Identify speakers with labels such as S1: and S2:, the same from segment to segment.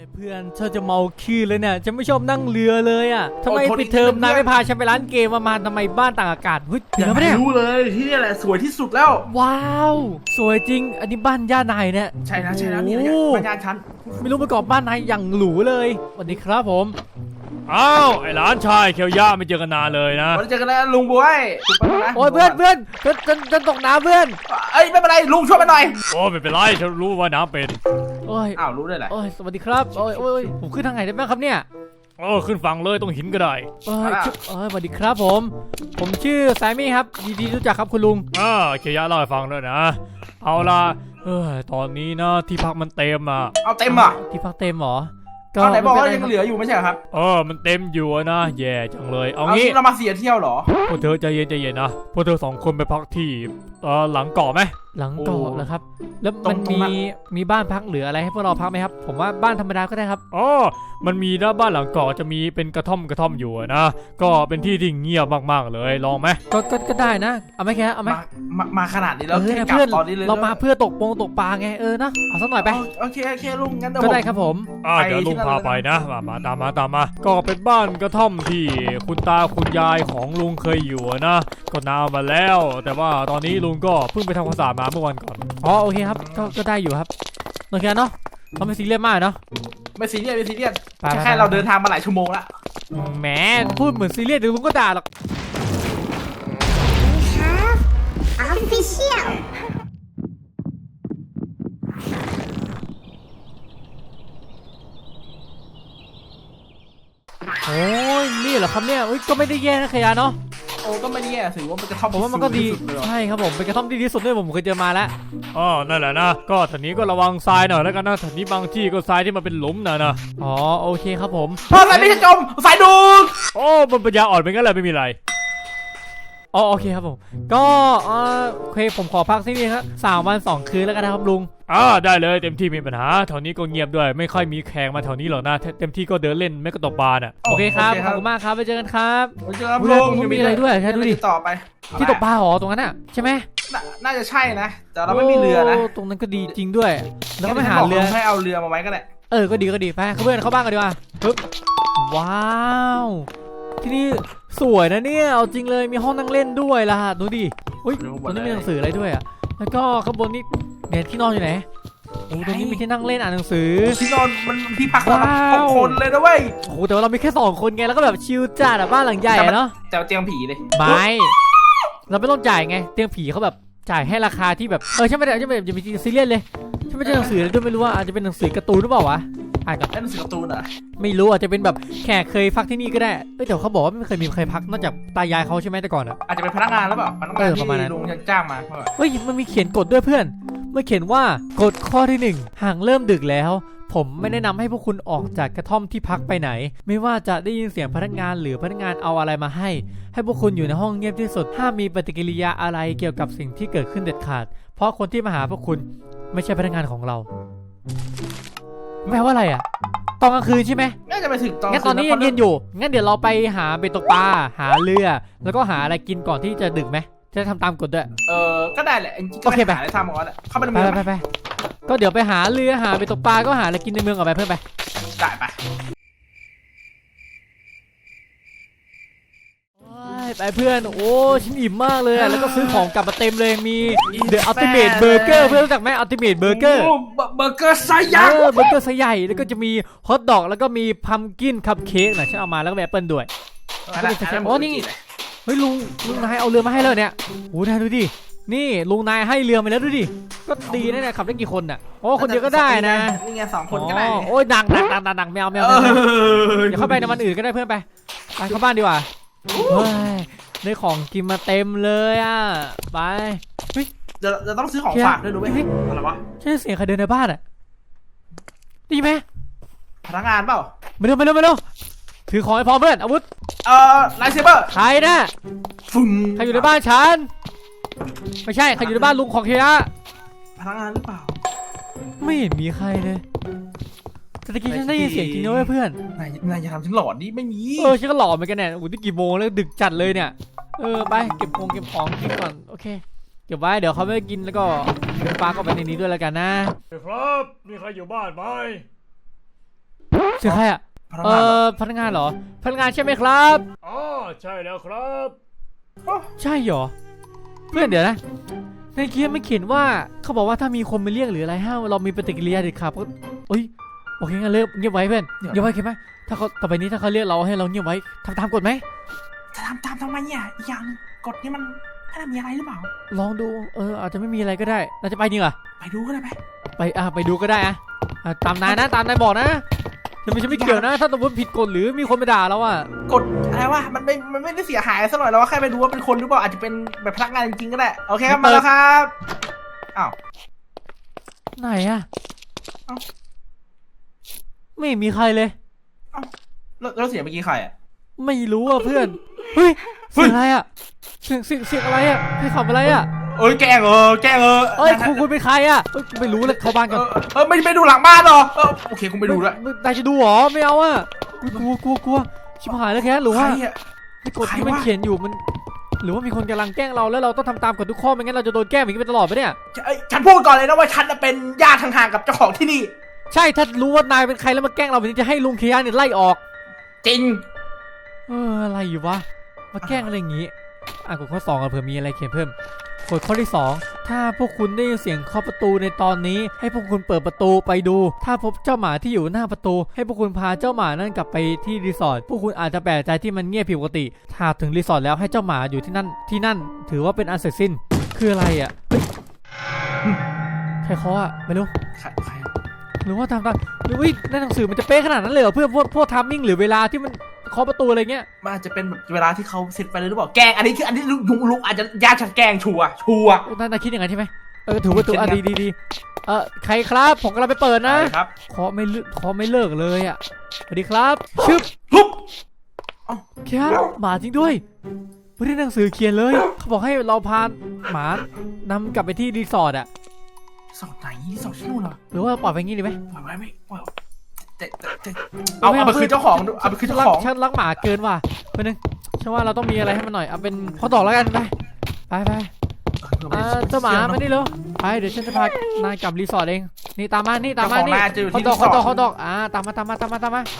S1: เพื่อนฉันจะเมาขี้เลยเนี่ยฉันไม่ชอบนั่งเรือเลยอ่ะทำไมปิดเทอมนายไม่พาฉันไปร้านเกมมาทำไมบ้านต่างอากาศเฮ้ยถึงแล้วเนี่ย
S2: รู้เลยที่นี่แหละสวยที่สุดแล้ว
S1: ว้าวสวยจริงอันนี้บ้านย่านายเนี่ย
S2: ใช่แล้วนี่บ้านย่านฉัน
S1: ไม่รู้ประกอบบ้านนายอย่างหรูเลยสวัสดีครับผม
S3: อ้าวไอ้หลานชายเคียวย่าไม่เจอกันนานเลยนะ
S2: ไม่เจอกันแล้วลุงบวย
S1: โอ้ยเพื่อนจะตกน้ำเพื่อน
S2: เอ้ยไม่เป็นไรลุงช่วยมาหน่อย
S3: โอ้ไม่เป็นไรฉันรู้ว่าน้ำเป็น
S1: โอ้ย
S2: อ้าวรู้ได้แหละ
S1: โอ้ยสวัสดีครับโอ้ยผมขึ้นทางไหนได้บ้างครับเนี่ย
S3: ขึ้นฝั่งเลยตรงหินก็ได้
S1: สวัสดีครับผมชื่อแซมมี่ครับดีรู้จักครับคุณลุง
S3: เคียวย่าเล่าให้ฟังด้วยนะเอาล่ะตอนนี้นะที่พักมันเต็มอ่ะ
S2: เอาเต็มอ่ะ
S1: ที่พักเต็มหรอ
S2: ก็ไหนบอกว่ายังเหลืออยู่ไม่ใช่ครับ
S3: มันเต็มอยู่นะแย่จังเลยเอางี้
S2: เรามาเสียเที่ยวหรอ
S3: พวกเธอใจเย็นนะพวกเธอ2 คนไปพักที่หลังเกาะไหม
S1: หลังเกาะเหรอครับแล้วมันมีบ้านพักหรืออะไรให้พวกเราพักไหมครับผมว่าบ้านธรรมดาก็ได้ครับ
S3: มันมีนะบ้านหลังเกาะจะมีเป็นกระท่อมอยู่นะก็เป็นที่ที่เงียบมากๆเลยลองไหม
S1: ก็ได้นะเอาไหมแค่เอาไหม
S2: มาขนาดนี้แล้ว
S1: เพื่อนเรามาเพื่อตกปลาไงนะเอาสักหน่อยไป
S2: โอเคลุงงั้น
S1: ก็ได้ครับผม
S3: เดี๋ยวลุงพาไปนะมาตามมาก็เป็นบ้านกระท่อมที่คุณตาคุณยายของลุงเคยอยู่นะก็นานมาแล้วแต่ว่าตอนนี้ลุงก็เพิ่งไปทำความสะอาดมาเมื่อวันก่อน
S1: โอเคครับก็ได้อยู่ครับโอเคเนาะเราไม่ซีเรียสมากเนาะ
S2: ไม่ซีเรียสแค่เราเดินทางมาหลายชั่วโมงแล้ว
S1: แหมพูดเหมือนซีเรียสเดี๋ยวลุงก็ด่าหรอกโอ้ยนี่เหรอครับเนี่ยก็ไม่ได้แย่นะขยะเนาะ
S2: ก็ไม่แย่ถือว่าเป็นกระท่อม
S1: ผมว่ามันก็ดีใช่ครับผมเป็นกระท่อมที่ดีที่สุดด้วยผมเคยเจอมาแล้ว
S3: นั่นแหละนะก็ทีนี้ก็ระวังทรายหน่อยแล้วกันนะทีนี้บางที่ก็ทรายที่มันเป็นหลุมนะ
S1: โอเคครับผม
S2: ทรายไม่ใช่จมทรายดู
S3: มันปัญญาอ่อนเป็นงั้นเลยไม่มีอะไร
S1: โอเคครับผมก็โอเคผมขอพักที่นี่ครับ3 วัน 2 คืนแล้วกันนะครับลุง
S3: ได้เลยเต็มที่มีปัญหาแถวนี้ก็เงียบด้วยไม่ค่อยมีแขกมาแถวนี้หรอกนะเต็มที่ก็เดินเล่นไม่ก็ตกปลาน่ะ
S1: โอเคครับขอบคุณมากครับไปเจอกันครับ
S2: ไปเจอกันลุง
S1: มีอะไรด้วยแค่ดูดิ
S2: ต่อไป
S1: ที่ตกปลาหรอตรงนั้นอ่ะใช่ไหม
S2: น่าจะใช่นะแต่เราไม่มีเรือนะ
S1: ตรงนั้นก็ดีจริงด้วยแล้วก็ไม่หาเรือ
S2: ให้เอาเรือมาไว้ก็ได้
S1: ก็ดีไปเพื่อนเข้าบ้านกันดีกว่าปึ๊บว้าวที่นี่สวยนะเนี่ยเอาจริงเลยมีห้องนั่งเล่นด้วยล่ะดูดิตรงนี้มีหนังสืออะไรด้วยอ่ะแล้วก็ข้างบนนี่เนี่ยที่นอนอยู่ไหนตรงนี้มีที่นั่งเล่นอ่านหนังสือ
S2: ที่นอนมันที่พักเรา6 คนเลยนะเว้ย
S1: แต่ว่าเรามีแค่2 คนไงแล้วก็แบบชิลจัดบ้านหลังใหญ่เนาะ
S2: แต่เตียงผีเลย
S1: ไม่เราไม่ต้องจ่ายไงเตียงผีเขาแบบจ่ายให้ราคาที่แบบใช่ไหมจะมีซีเรียสเลยใช่ไหมหนังสือด้วยไม่รู้ว่าอาจจะเป็นหนังสือการ์ตูนหรือเปล่าวะ
S2: หนังสือการ์ตูนอ่ะ
S1: ไม่รู้อาจจะเป็นแบบแขกเคยพักที่นี่ก็ได้แต่เขาบอกว่าไม่เคยมีใครพักนอกจากตายายเขาใช่ไหมแต่ก่อน
S2: อาจจะเป็นพนักงานหรือเปล่าพนักงานที่ลุงจ้างมา
S1: มันมีเขียนกฎด้วยเพื่อนเมื่อเขียนว่ากฎข้อที่1หากเริ่มดึกแล้วผมไม่แนะนำให้พวกคุณออกจากกระท่อมที่พักไปไหนไม่ว่าจะได้ยินเสียงพนักงานหรือพนักงานเอาอะไรมาให้พวกคุณอยู่ในห้องเงียบที่สุดห้ามมีปฏิกิริยาอะไรเกี่ยวกับสิ่งที่เกิดขึ้นเด็ดขาดเพราะคนที่มาหาพวกคุณไม่ใช่พนักงานของเราแปลว่าอะไรอ่ะตอนกลางคืนใช่ไหม
S2: น่าจะไปถึงตอน
S1: งั้นตอนนี้ยังเย็นอยู่งั้นเดี๋ยวเราไปหาเบ็ดตกปลาหาเรือแล้วก็หาอะไรกินก่อนที่จะดึกไหมจะทำตามกฎด้วย
S2: ก็ได้แหละโอเคไปหาอะไรทำก่อนแหละเข้าไปในเมือง
S1: ไปก็เดี๋ยวไปหาเรือหาเบ็ดตกปลาก็หาอะไรกินในเมืองก่อนไปเพื่อนไป
S2: ได้ไป
S1: เพื่อนฉันอิ่มมากเลยแล้วก็ซื้อของกลับมาเต็มเลยมี The Ultimate Burger เพื่อนรู้จักไหม Ultimate Burger
S2: เบอร์เกอร์ไซส์ใหญ่
S1: เบอร์เกอร์ไซส์ใหญ่แล้วก็จะมีฮอทดอกแล้วก็มีพัมกินคัพเค้กฉันเอามาแล้วก็แอปเปิลด้วยนี่เฮ้ยลุงนายเอาเรือมาให้แล้วเนี่ยนายดูดินี่ลุงนายให้เรือมาแล้วดูดิก็ดีนะเนี่ยขับได้กี่คนน่ะคนเดียวก็ได้นะ
S2: นี่ไง2 คนก็ได้
S1: ดังแมวอย่าเข้าไปในวันอื่นก็ได้เพื่อนไปเข้าบ้านดีกว่าได้ของกินมาเต็มเลยไป
S2: จะต้องซื้อของฝากด้วยดูไหมอะไรวะ
S1: ใช่เสียงใครเดินในบ้านดีไหม
S2: พนักงานเปล่า
S1: ไม่เร็วถือของให้พร้อมเพื่อนอาวุธ
S2: ไลท์เซเบอร์
S1: ใครนะใครอยู่ในบ้านฉันไม่ใช่ใครอยู่ในบ้านลุงของเฮีย
S2: พนักงานหรือเปล่า
S1: ไม่เห็นมีใครเลยแต่ตะกี้ฉันได้ยินเสียงจริงด้วยเพื่อน
S2: นายจะทำฉันหลอนดิไม่มี
S1: ฉันก็หลอนเหมือนกันเนี่ยนี่กี่โมงแล้วดึกจัดเลยเนี่ยไปเก็บของกินก่อนโอเคเก็บไว้เดี๋ยวเขาไม่กินแล้วก็ปลาก็ไปในนี้ด้วยแล้วกันนะครับ
S3: มีใครอยู่บ้านไหม
S1: เสียงใครอ่ะ
S2: พนักงานเหรอ
S1: พนักงานใช่ไหมครับ
S3: อ๋อใช่แล้วครับ
S1: ใช่เหรอเพื่อนเดี๋ยวนะในเกมไม่เขียนว่าเขาบอกว่าถ้ามีคนมาเรียกหรืออะไรห้ามเรามีปฏิกิริยาเด็ดขาดก็โอ้ยโอเคงั้นเลิกเงียบไว้เพื่อนเงียบไว้เข้าไหมถ้าเขาต่อไปนี้ถ้าเขาเรียกเราให้เราเงียบไว้ทำตามกฎไหม
S2: จะทำตามทำไมเนี่ยอีกอย่างกฎนี้มันไม่ได้มีอะไรหรือเปล่า
S1: ลองดูอาจจะไม่มีอะไรก็ได้เราจะไปจริงเหรอ
S2: ไปดูก็ได้ไหม
S1: ไปดูก็ได้ตามนายนะตามนายบอกนะฉันไม่เกี่ยวนะถ้าสมมติผิดกฎหรือมีคนมาด่าเราอ่ะ
S2: กฎอะไรวะมันไม่ได้เสียหายซะหน่อยเราแค่ไปดูว่าเป็นคนหรือเปล่าอาจจะเป็นแบบพนักงานจริงๆก็ได้โอเคครับมาแล้วครับอ้าว
S1: ไหนอ่ะ
S2: เอ้า
S1: ไม่มีใครเลย
S2: แล้วเสียงเมื่อกี้ใครอ่ะ
S1: ไม่รู้อ่ะเพื่อนเฮ้ยเสียงอะไรอ่ะเสียงอะไรอ่ะให้ขับอะไรอ่ะ
S2: เอ้ยแกล้งแกล้ง
S1: เอ้ยคุณเป็นใครอ่ะไม่รู้เลยเข้าบ้านก่อน
S2: ไม่ดูหลังบ้านหรอโอเคคงไปดูด้วย
S1: นายจะดูหรอไม่เอาอ่ะกลัวชิบหายแล้วแค่หรือว่า
S2: ใครอ่ะ
S1: ไอ้กฎที่มันเขียนอยู่มันหรือว่ามีคนกำลังแกล้งเราแล้วเราต้องทำตามกฎทุกข้อไม่งั้นเราจะโดนแกล้งอย่างนี้ไปตลอดไปเนี่ย
S2: ฉันพูดก่อนเลยนะว่าฉันเป็นญาติห่างๆกับเจ้าของที่นี่
S1: ใช่ถ้ารู้ว่านายเป็นใครแล้วมาแกล้งเราแบบนี้จะให้ลุงเคียนเนี่ยไล่ออก
S2: จริง
S1: อะไรอยู่วะมาแกล้งอะไรอย่างงี้กฎข้อ2กันเผื่อมีอะไรเขียนเพิ่มกฎข้อที่2ถ้าพวกคุณได้ยินเสียงเคาะประตูในตอนนี้ให้พวกคุณเปิดประตูไปดูถ้าพบเจ้าหมาที่อยู่หน้าประตูให้พวกคุณพาเจ้าหมานั่นกลับไปที่รีสอร์ทพวกคุณอาจจะแปลกใจที่มันเงียบผิดปกติถ้าถึงรีสอร์ทแล้วให้เจ้าหมาอยู่ที่นั่นถือว่าเป็นอันเสร็จสิ้นคืออะไรอ่ะใครเคาะอ่ะไม่รู้
S2: ใคร
S1: หรือว่าทำตามหรือว่าในหนังสือมันจะเป๊ะขนาดนั้นเลยเหรอเพื่อพวกทัมมิ่งหรือเวลาที่มันเคาะประตูอะไรเงี้ย
S2: มันอาจจะเป็นแบบเวลาที่เขาเซตไปเลยหรือเปล่าแกล้งอันนี้ลุงอาจจะญาติฉันแกล้งชัวร์
S1: นายคิดอย่างนั้นใช่ไหมถือว่าตัวดีใครครับผมกำลังไปเปิดนะครับเคาะไม่เลิกเลยอ่ะสวัสดีครับชึบ
S2: ปุ๊บ
S1: แค่หมาจริงด้วยไม่ได้หนังสือเขียนเลยเขาบอกให้เราพาหมานำกลับไปที่รีสอร์ทอ่ะ
S2: สอบไหนสอบที่นู่นเหรอ
S1: หรือว่าปล่อยไปงี้ดีไหม
S2: ปล่อยไว้ไม่ปล่อยแต่เอาไปคืนเจ้าของเอาไปคืนเจ้าของ
S1: ฉันรักหมาเกินว่ะเป็นนึงฉันว่าเราต้องมีอะไรให้มันหน่อยเอาเป็นข้อต่อแล้วกันไปเจ้าหมามานี่เร็วไปเดี๋ยวฉันจะพานายกลับรีสอร์ทเองนี่ตามมานี่เขาดอกตามมา
S2: กินมา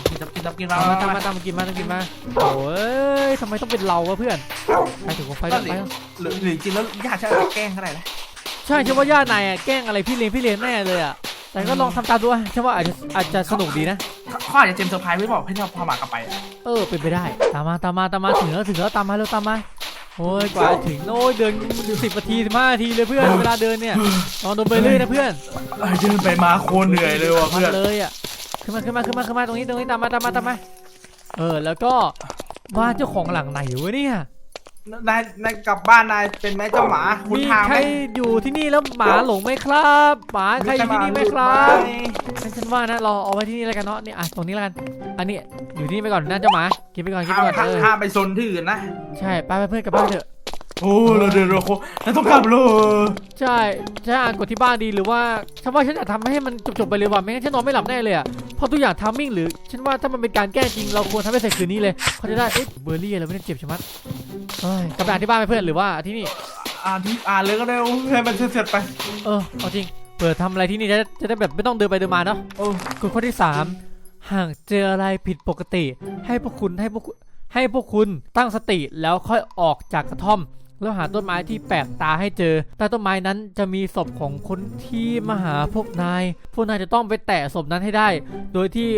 S1: โอ้ยทำไมต้องเป็นเราวะเพื่อนไปถึงไฟไป
S2: หรือจริงแล้วญาติฉันแกล้งขนาดไหน
S1: ใช่ฉันว่าญาตินายแกล้งอะไรพี่เลี้ยงแน่เลยอ่ะแต่ก็ลองทำตามดูฉันว่าอาจจะสนุกดีนะ
S2: เขาอาจจะเจมเซอร์ไพรส์ไม่บอกให้เราพาหมากลับไป
S1: เป็นไปได้ตามมาถึงแล้วตามมาโอ้ยกว่าถึงโอ้ยเดิน10 นาที 15 นาทีเลยเพื่อนเวลาเดินเนี่ยนอนโดนไปเรื่อยนะเพื่อน
S2: เดินไปมาโคตรเหนื่อยเลยว่ะเพื่อน
S1: เลยอ่ะขึ้นมาตรงนี้ตามมาแล้วก็บ้านเจ้าของหลังไหนวะเนี่ย
S2: นายกลับบ้านนายเป็นไหมเจ้าหมาคุณทางไหม
S1: ใครอยู่ที่นี่แล้วหมาหลงไหมครับหมาใครอยู่ที่นี่ไหมครับฉันว่านะเราเอาไว้ที่นี่แล้วกันเนาะนี่ตรงนี้แล้วกันอันนี้อยู่ที่นี่ไปก่อนนะเจ้าหมากินไปก่อน
S2: ห้ามไปซนที่อื่นนะ
S1: ใช่ไปเพื่อนกลับบ้านเถอะ
S2: โอ้เราเดินเราต้องกลับเลย
S1: ใช่อ่านกดที่บ้านดีหรือว่าฉันว่าฉันอยากทำให้มันจบไปเลยว่ะไม่งั้นฉันนอนไม่หลับแน่เลยอ่ะเพราะทุกอย่างทัมมิ่งหรือฉันว่าถ้ามันเป็นการแก้จริงเราควรทำให้เสร็จคืนนี้เลยเขาจะได้เบอร์รี่เราไม่ได้เจ็บใช่ไหมกลับไปอ่านที่บ้านไปเพื่อนหรือว่าที่นี่
S2: อ่านเลยก็ได้ให้มันเสร็จไป
S1: เอาจริงเปิดทำอะไรที่นี่จะได้แบบไม่ต้องเดินไปเดินมาเนาะกฎข้อที่3หากเจออะไรผิดปกติให้พวกคุณตั้งสติแล้วค่อยออกจากกระท่อมแล้วหาต้นไม้ที่แปลกตาให้เจอใต้ต้นไม้นั้นจะมีศพของคนที่มาหาพวกนายจะต้องไปแตะศพนั้นให้ได้โดยที่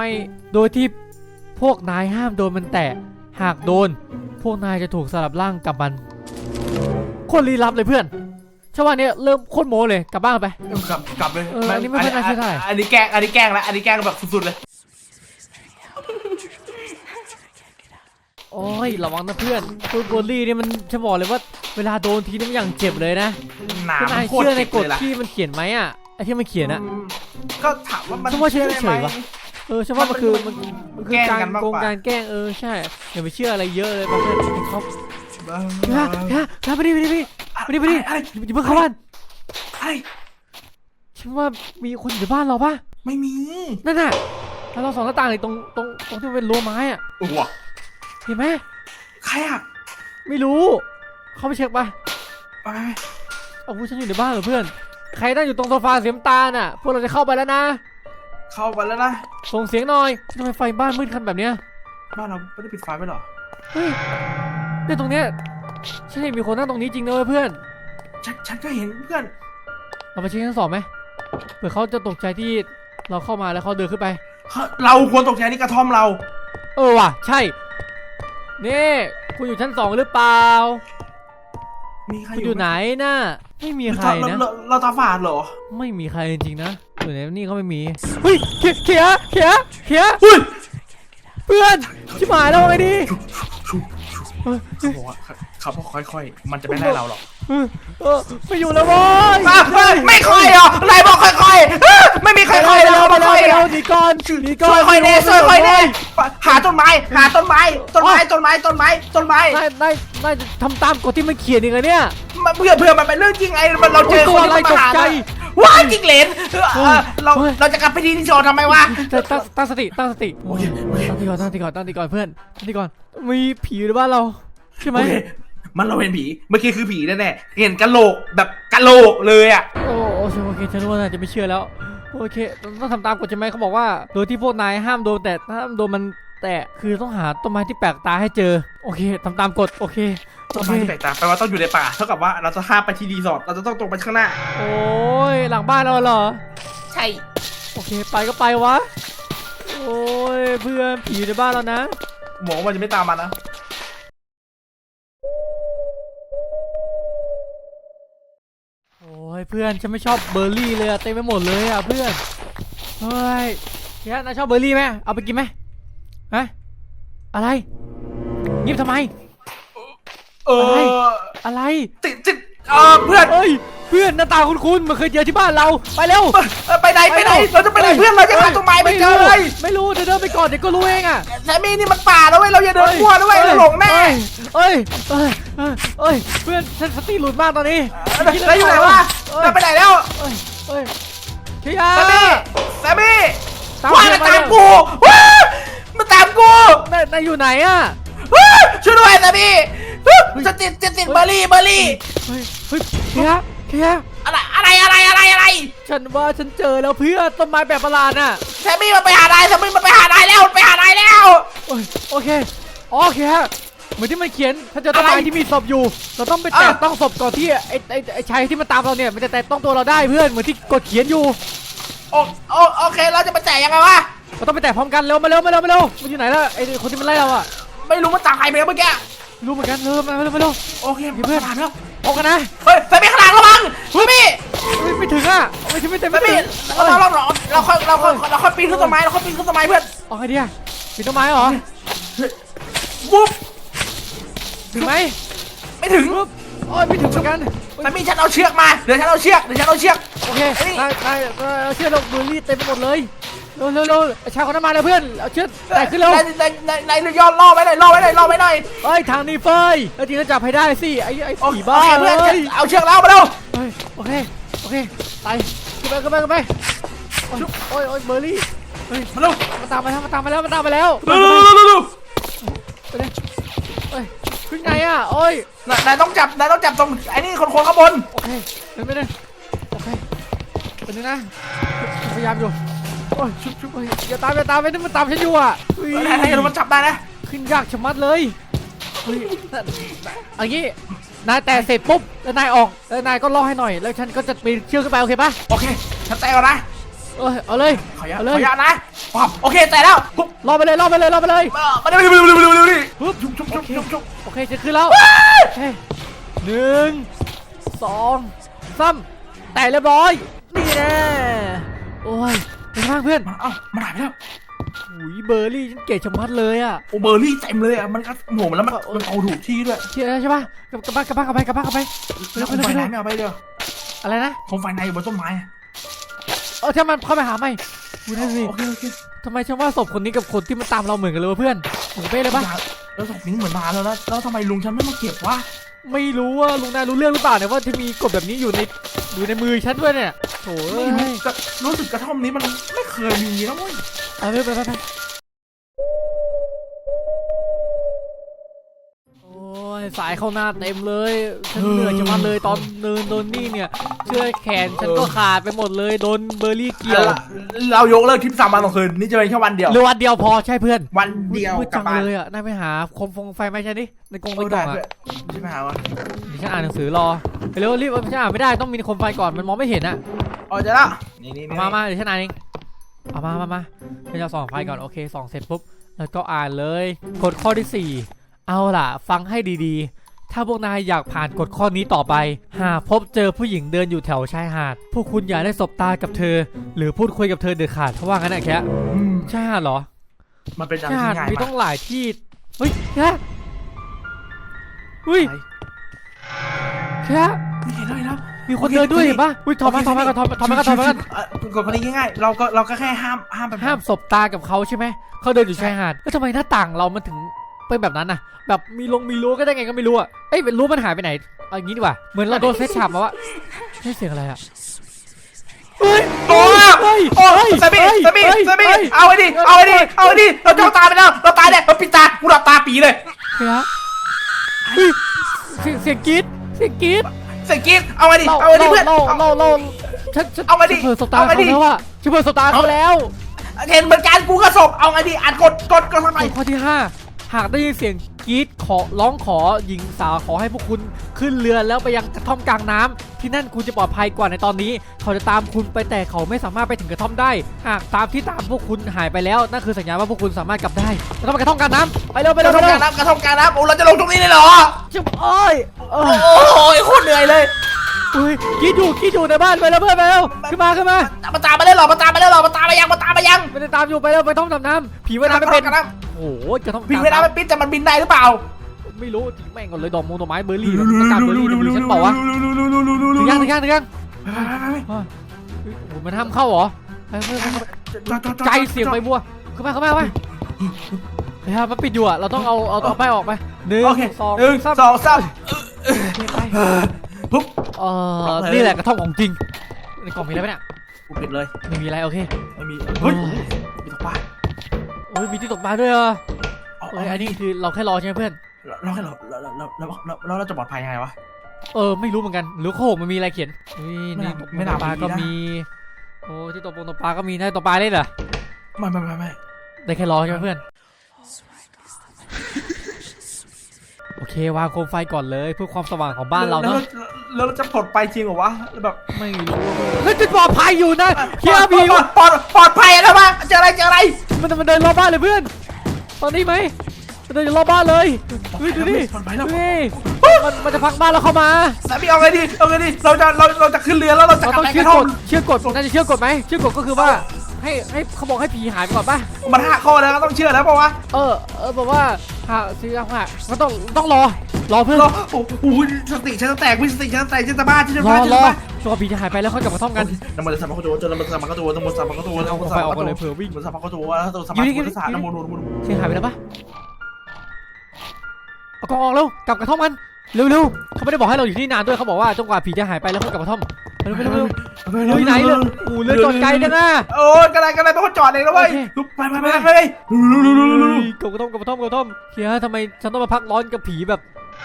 S1: พวกนายห้ามโดนมันแตะหากโดนพวกนายจะถูกสลับร่างกับมันคนลี้ลับเลยเพื่อนชาวบ้านเนี่ยเริ่มโคตรโม้เลยกลับบ้านไป
S2: กลับเลย
S1: อันนี้ไม่น่าเชื่อได้
S2: อันนี้แกล้งแบบสุดๆเลย
S1: โอ้ยระวังนะเพื่อนคุณโบลี่เนี่ยมันจะบอกเลยว่าเวลาโดนทีนี่มันอย่างเจ็บเลยนะคุณนายเชื่อในกฎที่มันเขียนไหมอ่ะไอ้ที่มันเขียนอ่ะ
S2: ก็ถามว่ามัน
S1: ฉันว่าเชื่อเฉยๆวะฉันว่ามันคือการแกล้งใช่อย่าไปเชื่ออะไรเยอะเลยเพื่อนเขาไปดิอย่าเพิ่งเข้าบ้านฉันว่ามีคนอยู่บ้านเราปะ
S2: ไม่มี
S1: นั่นน่ะแล้วเราส่องหน้าต่างเลยตรงที่เป็นรั้วไม้อ่ะเห็นไหม
S2: ใครอ่ะ
S1: ไม่รู้เข้าไปเช็คไปฉันอยู่ในบ้านเหรอเพื่อนใครนั่งอยู่ตรงโซฟาสีน้ำตาลน่ะพวกเราจะเข้าไปแล้วนะ
S2: เข้าไปแล้วนะ
S1: ส่งเสียงหน่อยทำไมไฟบ้านมืดขนาดแบบเนี้ย
S2: บ้านเราไม่ได้ปิดไฟไว้หรอ
S1: เฮ้ยเนี่ยตรงเนี้ยฉันเห็นมีคนนั่งตรงนี้จริงนะเว้ยเพื่อน
S2: ฉันก็เห็นเพื่อน
S1: เราไปเช็คชั้น 2ไหมเผื่อเขาจะตกใจที่เราเข้ามาแล้วเขาเดินขึ้นไป
S2: เราควรตกใจนี่กระท่อมเรา
S1: เออว่ะใช่นี่คุณอยู่ชั้น 2หรือเปล่า
S2: มีใคร
S1: คุณอยู่ไหนน่ะไม่มีใครนะ
S2: เราตาฝาดเหรอ
S1: ไม่มีใครจริงๆนะอยู่ในนี่ก็ไม่มีเฮ้ยเขียเพื่อนชิบหายแล้วไงดี
S2: เขาบอกว่าเขาบอกค่อยๆมันจะไม่ได้เราหรอก
S1: ไม่อยู่แล้วบอย
S2: ไม่ค่อยเหรอนายบอกค่อยๆไม่มีใครค่อยแล้วเขาไม่ค่อย
S1: หนีก่อน
S2: ช่วยค่อยแน่ช่วยค่อยแน่หาต้นไม้ต้นไม้
S1: นายทำตามกฎที่มันเขียนอีกแล้วเนี่ย
S2: เพื่อมันเป็นเรื่องจริงไงเราเจอคนที่มาหาว้าจริงเหรนเราจะกลับไปที่ที่โชว์ทำไมวะ
S1: ตั้งสติตั้งสติตั้งตีก่อนเพื่อนตั้งตีก่อนมีผีในบ้านเราใช่ไหม
S2: มันเราเห็นผีเมื่อกี้คือผีแน่ๆเห็นกะโหลกแบบกะโหลกเลยอ่ะ
S1: โอเคฉันรู้ว่านายจะไม่เชื่อแล้วโอเคต้องทำตามกฎใช่ไหมเขาบอกว่าโดยที่พวกนายห้ามโดนแต่ห้ามโดนมันแต่คือต้องหาต้นไม้ที่แปลกตาให้เจอโอเคทำตามกฎโอเค
S2: ต้นไม้ที่แปลกตาแปลว่าต้องอยู่ในป่าเท่ากับว่าเราจะข้ามไปที่รีสอร์ทเราจะต้องตรงไปข้างหน้า
S1: โอ้ยหลังบ้านเราเหรอ
S2: ใช่
S1: โอเคไปก็ไปวะโอ้ยเพื่อนผีในบ้านเรานะ
S2: หมอมันจะไม่ตามมานะ
S1: โอ้ยเพื่อนฉันไม่ชอบเบอร์รี่เลยอะเต็มไปหมดเลยอะเพื่อนเฮ้ยเฮียนายชอบเบอร์รี่ไหมเอาไปกินไหมฮะอะไรงีบทำไม อะไร
S2: ติดเพื่อน
S1: เอ้ยเพื่อนหน้าตาคุ้นๆมันเคยเจอที่บ้านเราไปเร็ว
S2: ไปไหนเราจะไปไหนเพื่อนเราจะหาต้นไม้ไม่เจอเลย
S1: ไม่รู้เดินไปก่อนเดี๋ยวก็รู้เองอะ
S2: แต่มีนี่มันป่าแล้วเว้ยเราอย่าเดินมั่วนะเว้ยเราหลงแน่
S1: เอ้ยเพื่อนฉันสติหลุดมากตอนนี้
S2: แล้วอยู่ไหนวะเราไปไหนแล้ว
S1: เอ้ยเฮีย
S2: แซมมี่
S1: ตาม
S2: ว่ามันตามกูมันตามกู
S1: นายอยู่ไหนอะ
S2: ช่วยด้วยแซมมี่จะติดเบอร์รี่
S1: เฮ้ยเฮีย
S2: อะไร
S1: ฉันว่าฉันเจอแล้วเพื่อนต้นไม้แบบประหลาดน่ะ
S2: แซมมี่มันไปหานายแล้ว
S1: โอเคเหมือนที่มันเขียนถ้าเจอต้นไม้ที่มีศพอยู่เราต้องไปแตะต้องศพก่อนที่ไอ้ชายที่มันตามเราเนี่ยมันจะแตะต้องตัวเราได้เพื่อนเหมือนที่กดเขียนอยู่
S2: โอเคเราจะไปแจกยังไงวะ
S1: เราต้องไปแตะพร้อมกันเร็วมาเร็วมันอยู่ไหนล่ะไอ้คนที่มันไล่เราอะ
S2: ไม่รู้มันตามใครไปเมื่อกี้
S1: รู้เหมือนกันเร็วมาเร็ว
S2: โอเคเพื่อนผ่านแล้ว
S1: ออกกันนะ
S2: เฮ้ยแซมมี่ข้างหลังระวังแซมมี่
S1: ไม่ถึงอ่ะไม่ถึง
S2: แซมมี่เราค่อยปีนขึ้นต้นไม้เพื่อน
S1: ออกไงดีอะปีนต้นไม้เหรอ
S2: ปุ๊บ
S1: ถึงไหม
S2: ไม่ถึง
S1: ปุ๊บโอ้ยไม่ถึงเหมือนกัน
S2: แซมมี่ฉันเอาเชือกมาเดี๋ยวฉันเอาเชือก
S1: โอเคนายเชือกเราเบอร์รี่เต็มไปหมดเลยเร็วชายคนนั้นมาเลยเพื่อนเอาเชือกแต่ขึ้นเร็วน
S2: ายย้อนล่อไว้หน่อย
S1: เฮ้ยทางนี้เฟยแล้วทีนั้นจับให้ได้สิไอ้ผีบ้า
S2: เพื่อน
S1: เลย
S2: เอาเชือกแล้วมาเร็ว
S1: โอเคไปขึ้นไปโอ้ยเบอร์รี่เฮ้ย
S2: มาเร็ว
S1: มาตามมาแล้วไปเลยขึ้นไงอ่ะโอ้ย
S2: นายต้องจับตรงไอ้นี่คนข้างบน
S1: โอเคไปเลยโอเคเป็นยังไงพยายามอยู่โอ้ยชุบอย่าตามไปนี่มันตามฉันอยู่อ่ะ
S2: นายมันจับได้นะ
S1: ขึ้นยากชะมัดเลยอันนี้นายแต่เสร็จปุ๊บแล้วนายออกแล้วนายก็ล่อให้หน่อยแล้วฉันก็จะปีนเชือกขึ้นไปโอเคปะ
S2: โอเคฉันแตะก่อนนะ
S1: เอาเลย
S2: ขอยานะโอเคแตะแล้วปุ๊บ
S1: ล่อไปเลย
S2: มาเร็วดิ
S1: ปุ๊บ
S2: ชุบ
S1: โอเคจะขึ้นแล้ว1 2 3แต่เรียบร้อยนี่แน่โอ้ยเป็นไงบ้างเพื่อน
S2: มันหายไปแล้ว
S1: หุยเบอร์รี่ฉันเก๋ชะมัดเลยอ่ะ
S2: โอเบอร์รี่เต็มเลยอ่ะมันก็โหมแล้วมันเอาถูกที่ด้วย
S1: เชื่อใช่ปะกลับบ้านไป
S2: แล้วคนไฟไหนไม่เอาไปเด้อ
S1: อะไรนะ
S2: คนไฟในบนต้นไม้
S1: ถ้ามันเข้าไปหาไม่ดูนั่นสิทำไมฉันว่าศพคนนี้กับคนที่มันตามเราเหมือนกันเลยวะเพื่อนเหมือนเป้เลยปะ
S2: แล้วศพนี้เหมือนนานแล้วนะแล้วทำไมลุงฉันไม่มาเก็บวะ
S1: ไม่รู้ว่าลุงนายรู้เรื่องหรือเปล่าเนี่ยว่าที่มีกฎแบบนี้อยู่ในมือฉันด้วยเนี่ยโถ่
S2: รู้สึกกระท่อมนี้มันไม่เคยมีนะเว้ย
S1: ไปโอ้ยสายเข้าหน้าเต็มเลยฉันเหนื่อยจะมาเลยตอนเดินโดนนี่เนี่ยเชือกแขนฉันก็ขาดไปหมดเลยโดนเบอร์รี่เกี่ยว
S2: เรายกเลิกทริป3 วัน 2 คืนนี่จะเป็นแค่วันเดียว
S1: หรือวันเดียวพอใช่เพื่อน
S2: วันเดียว
S1: มืด
S2: กลั
S1: จั
S2: บ
S1: ง
S2: บ้าน
S1: เลยอ่ะนายไปหาโคมไฟไหมใช่ดิในกรงใน
S2: โอ้
S1: กล่
S2: ได้
S1: อง
S2: เพื่อ
S1: อ่ะ
S2: นที่ไปหาวะ
S1: เดี๋ยวฉันอ่านหนังสือรอไปเร็วรีบฉันอ่านไม่ได้ต้องมีโคมไฟก่อนมันมองไม่เห็นอ่ะ
S2: อ๋อเจะละนี่
S1: เอามาเดี๋ยวฉันอ่านเองเอามาฉันจะส่องไฟก่อนโอเคส่องเสร็จปุ๊บแล้วก็อ่านเลยกฎข้อที่4เอาล่ะฟังให้ดีๆถ้าพวกนายอยากผ่านกฎข้อนี้ต่อไปหากพบเจอผู้หญิงเดินอยู่แถวชายหาดพวกคุณอย่าได้สบตากับเธอ หรือพูดคุยกับเธอเด็ดขาดเพราะว่างั้นแหละแค่ชายหาดเหรอ
S2: มันเป็นอะไร
S1: ชายหาด
S2: ที่ง่าย
S1: มี
S2: มา
S1: ต้อก งหลายที่เฮ้ยแค่เฮ้ยแค่
S2: เห็นแล้ว
S1: มีคนเดินด้วยเห็นปะอุ้ยถอดมาก่อนก
S2: ดคนนี้ง่ายๆเราก็แค่ห้ามแบบ
S1: ห้ามสบตากับเขาใช่ไหมเขาเดินอยู่ชายหาดแล้วทำไมหน้าต่างเรามันถึงเป็นแบบนั้นน่ะแบบมีรั้วก็ได้ไงก็ไม่รู้อ่ะเอ้ยเป็นรั้วมันหายไปไหนเอาอย่างงี้ดีกว่าเหมือนเราโดนเซตฉาบมาว่าให้เสียงอะไรอ่ะเฮ้ย
S2: โอ้สามีเอาไอ้ดิเราจ้องตาไปแล้วเราตายเนี่ยเราปิดตากูหลับตาปีเลย
S1: เฮ้ยเสียงกรี๊ดเสียงกรี๊ด
S2: เสร็จกินเอาไอ้ดิเพื่อน
S1: เราฉัน
S2: เอามาดิ
S1: เปิดสบตา
S2: เอามา
S1: เขา
S2: ดิ
S1: แล้วอ่ะฉันเปิดสบตาเขาแล้ว
S2: เห็นเหมือนกันกูก็ศพเอาไอ้ดิอ่านกดทำไม
S1: ข้อที่5หากได้ยินเสียงกรี๊ดร้องขอหญิงสาวขอให้พวกคุณขึ้นเรือแล้วไปยังกระท่อมกลางน้ำที่นั่นคุณจะปลอดภัยกว่าในตอนนี้เขาจะตามคุณไปแต่เขาไม่สามารถไปถึงกระท่อมได้หากตามพวกคุณหายไปแล้วนั่นคือสัญญาณว่าพวกคุณสามารถกลับได้แล้วก็ไปกระท่อมกลางน้ำไปเร็ว
S2: กระท่อมกลางน้ำโอ้เราจะลงตรงนี้เลยเหรอ
S1: จุ๊บโอ้ย
S2: โอ้ยโคตรเหนื่อยเลย
S1: อุ้ยกรี๊ดอยู่ในบ้านไปแล้วเพื่อนไปแล้วขึ้นมา
S2: มาตามมาได้หรอมาตามมายัง
S1: ไม่ได้ตามอยู่ไปแล้วไปท่องน้ำผีว่ายน้ำไม่เป็นโอ้โหกระท่อม
S2: บินไม่ได้มันบินแต่มันบินได้หรือเปล่า
S1: ไม่รู้ทิ้งแม่งก่อนเลยดอกไม้เบอร์รี่ประกาศเบอร์รี่ดูฉันบอกว่าถึงยังมันห้ามเข้าเหรอใจเสียงใบบัวเข้ามาเฮ้ยมันปิดอยู่อ่ะเราต้องเอาไปออกไป1 2 3
S2: ปุ๊บ
S1: นี่แหละกระท่อมของจริงในกล่องมีอะไรไหมเนี่ย
S2: กูปิดเลย
S1: ไม่มีอะไรโอเค
S2: ไม่มีเฮ้ยมีตกปลา
S1: โอ้ยมีที่ตกปลาด้วยอ่ะอันนี้คือเราแค่รอใช่ไหมเพื่อน
S2: เราจะปลอดภัยยังไงวะ
S1: ไม่รู้เหมือนกันหรือข้อ6มันมีอะไรเขียนนี่ตกปลาก็มีโอ้ที่ตกปลาก็มีได้ตกปลาได้เหรอ
S2: ไม่
S1: ได้แค่รอใช่ไหมเพื่อนโอเควางโคมไฟก่อนเลยเพื่อความสว่างของบ้านเราเนาะ
S2: แล้วเราจะปลอดภัยจริงเหรอวะแบบ
S1: ไม่รู้แล้วจะปลอดภัยอยู่นะเฮียผี
S2: ปลอดภัยแล้วมั้งเจออะไร
S1: มันเดินรอบบ้านเลยเพื่อนตอนนี้ไหมมันเดินอยู่รอบบ้านเลยดูดิ
S2: ปลอดภัยแล้ว
S1: มันจะพังบ้านเราเข้ามา
S2: สามีเอาไงดีเราจะขึ้นเรือแล้วเราจะ
S1: เรา
S2: กลับ
S1: ต้อง
S2: ไป
S1: เชื่
S2: ก
S1: อ
S2: ระท่อม
S1: เชื่อกฎน่าจะเชื่อกฎไหมเชื่อกฎก็คือว่าให้เขาบอกให้ผีหายไปก่อนป่ะ
S2: มัน5 ข้อแล้วก็ต้องเชื่อแล้วป่าวะ
S1: บอกว่าหาซื้อหาก็ต้องรอเพื่อน
S2: โอ้โหสติฉันจะแตกวิสติฉันจะแตกฉันจะบ้าฉันจะ
S1: ร
S2: บ้า
S1: อตัวผีจะหายไปแล้วค่อยกลับมาท่อมกัน
S2: น้ำมันจะสัมผัสตัวจนน้ำมันสัมผัสตัวน้ำมันสัมผัสตัวน้ำมันสัมผัสตัว
S1: เอาไฟออกมาเลยเผื่อวิ่ง
S2: มันสัมผัสตัวแล้วตัวสัมผัสตัวสารน้ำมัน
S1: เสียหายไปแล้วปะเอากองออกเร็วกลับกระท่อมกันเร็วเขาไม่ได้บอกให้เราอยู่ที่นานด้วยเขาบอกว่าจนกว่าผีจะหายไปแล้วค่อยกลับกระท่อมเร็วไหนเลยเรือจอดไกลจังอะ
S2: โอ้ยกระไรเป็นคนจอดเองแล้วเว้ยไป
S1: กลับกระท่อมเฮียทำไมฉันต้องมาพักร้อนกับผีแบบ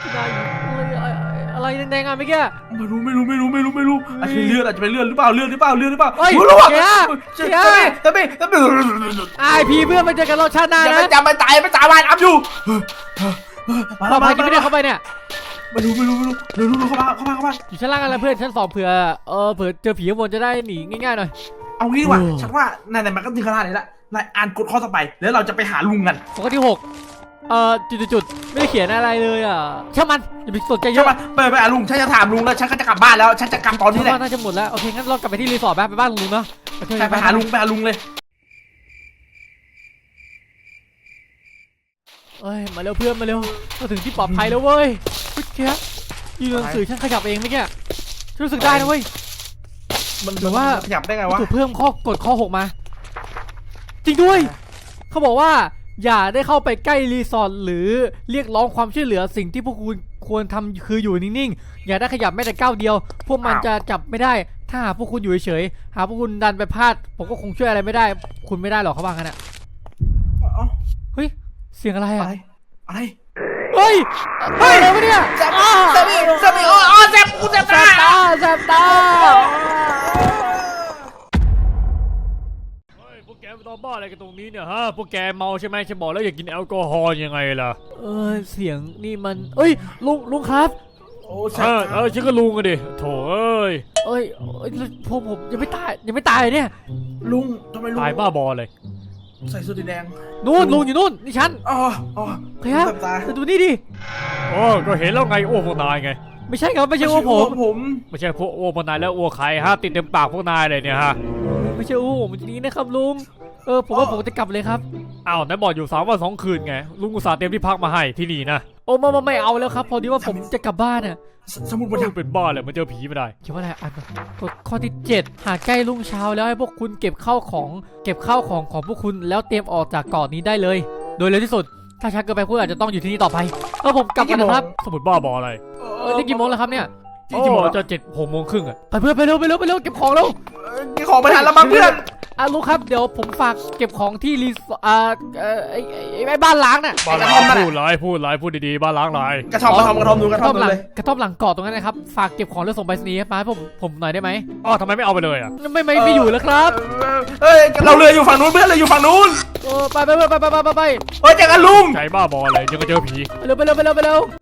S1: อะไรแดงๆอ่ะเมื่อกี้
S2: ไม่รู้อาจจะเป็นเลือดหรือเปล่ารู้หรอ
S1: ไอผีเพื่อนมาเจอกันรอบชาติหน้านะ
S2: จะไม่ตายไม่ตายวันอัพอยู่
S1: เราพากินไม่ได้เข้าไปเนี่ย
S2: ไม่รู้เข้ามา
S1: อยู่ชั้นล่างกันแล้วเพื่อนชั้น2เผื่อเจอผีข้างบนจะได้หนีง่ายๆหน่อย
S2: เอางี้ดีกว่าฉันว่านายมันก็ถึงขนาดนี้ละนายอ่านกฎข้อต่อไปแล้วเราจะไปหาลุงกัน
S1: ข้อที่6จุดไม่ได้เขียนอะไรเลยอ่ะช่างมันอย่าไปสนใจเย
S2: ใช่
S1: อะ
S2: ปะไปหาลุงฉันจะถามลุงแล้วฉันก็จะกลับบ้านแล้วฉันจะกลับตอนนี้แหละ
S1: น่าจะหมดแล้วโอเคงั้นเรากลับไปที่รีสอร์ทไปบ้านลุงเนาะ
S2: ไปหาลุงเลย
S1: มาเร็วเพื่อนมาเร็วมาถึงที่ปลอดภัยแล้วเว้ยพี่แค่ยืนหนังสือฉันขยับเองเมื่อกี้รู้สึกได้นะเว้ย
S2: มันหรือว่าขยับได้ไงวะ
S1: ถูกเพิ่มกฎข้อ6มาจริงด้วยเขาบอกว่าอย่าได้เข้าไปใกล้รีสอร์ทหรือเรียกร้องความช่วยเหลือสิ่งที่พวกคุณควรทำคืออยู่นิ่งๆอย่าได้ขยับแม้แต่ก้าวเดียวพวกมันจะจับไม่ได้ถ้าหากพวกคุณอยู่เฉยๆหากพวกคุณดันไปพลาดผมก็คงช่วยอะไรไม่ได้คุณไม่ได้หรอกเขาว่างั้นอ่ะเฮ้ยเสียงอะไรอ่ะ
S2: อะไร
S1: เฮ้ยอะไรวะเนี่ย
S2: แซมบี้อ๋อแซมกูแซม
S1: แส
S2: ตา
S1: บตาแสบตา
S3: เฮ้ยพวกแกมาตอบ้าอะไรกันตรงนี้เนี่ยฮะพวกแกเมาใช่ไหมฉันบอกแล้วอย่ากินแอลกอฮอล์ยังไงล่ะ
S1: เสียงนี่มันเอ้ยลุงครับ
S2: โอ้แซ
S3: ฉันก็ลุงกันดิโถเอ้ย
S1: ผมยังไม่ตายเนี่ย
S2: ลุงทำไมลุง
S3: ตายบ้าบอเลย
S2: ใส่เสื้อสีแดง
S1: นู่นลุงอยู่นู่นนี่ฉัน
S2: อ๋อ
S1: ใครครับ
S2: แซมตา
S1: แต่ดูนี่ดิ
S3: โอ้ก็เห็นแล้วไงอ้วกพวกนายไง
S1: ไม่ใช่ครับไม่ใช่ว่าผม
S2: ผม
S3: ไม่ใช่พวกอ้วกพวกนายแล้วอ้วกใครฮะติดเต็มปากพวกนายเลยเนี่ยฮะ
S1: ไม่ใช่ผมจริงๆนะครับลุงผมว่าผมจะกลับเลยครับ
S3: อ้าวนายบอกอยู่3 วัน 2 คืนไงลุงอุตส่าห์เตรียมที่พักมาให้ที่นี่นะ
S1: โอ้ไม่เอาแล้วครับพอดีว่าผมจะกลับบ้านอ่ะ
S2: สมุด
S3: มั
S2: บั
S3: น
S2: นทึก
S3: เป็นบ้าเลยมันเจอผีไม่ได้
S1: เขียนว่าอะไรอ่านกฎข้อที่ 7 หากใกล้รุ่งเช้าแล้วให้พวกคุณเก็บข้าวของของพวกคุณแล้วเตรียมออกจากเกาะนี้ได้เลย โดยเร็วที่สุดถ้าช้าเกินไปคุณอาจจะต้องอยู่ที่นี่ต่อไปผมกลับกันนะครับ
S3: สมุดบ้าบออะไร
S1: นี่กี่โมงแล้วครับเนี่ย
S3: ที่บอกจะ6 โมงครึ่งอะ
S1: ไปเพื่อนไปเร็วเก็บของเร็ว
S2: กี่ของไปทันแล้วมั้งเพื่อน
S1: ลุงครับเดี๋ยวผมฝากเก็บของที่รีสไอ้บ้านล้างน่ะ
S3: บ้านล้างพูดดีๆบ้านล้างไร
S2: กระท่อมดูกระท่อม
S1: หลัง
S2: เลย
S1: กระท่อมหลังเกาะตรงนั้นนะครับฝากเก็บของแล้วส่งไปรษณีย์มาให้ผมหน่อยได้ไหม
S3: อ๋อทำไมไม่เอาไปเลยอะ
S1: ไม่อยู่แล้วครับ
S2: เฮ้ยเราเรืออยู่ฝั่งนู้นเพื่อนเราอยู่ฝั่งนู้น
S1: ไป
S2: เฮ้ยเจอกันลุง
S3: ใจบ้าบอเลยยังก็เจอผี
S1: เร็ว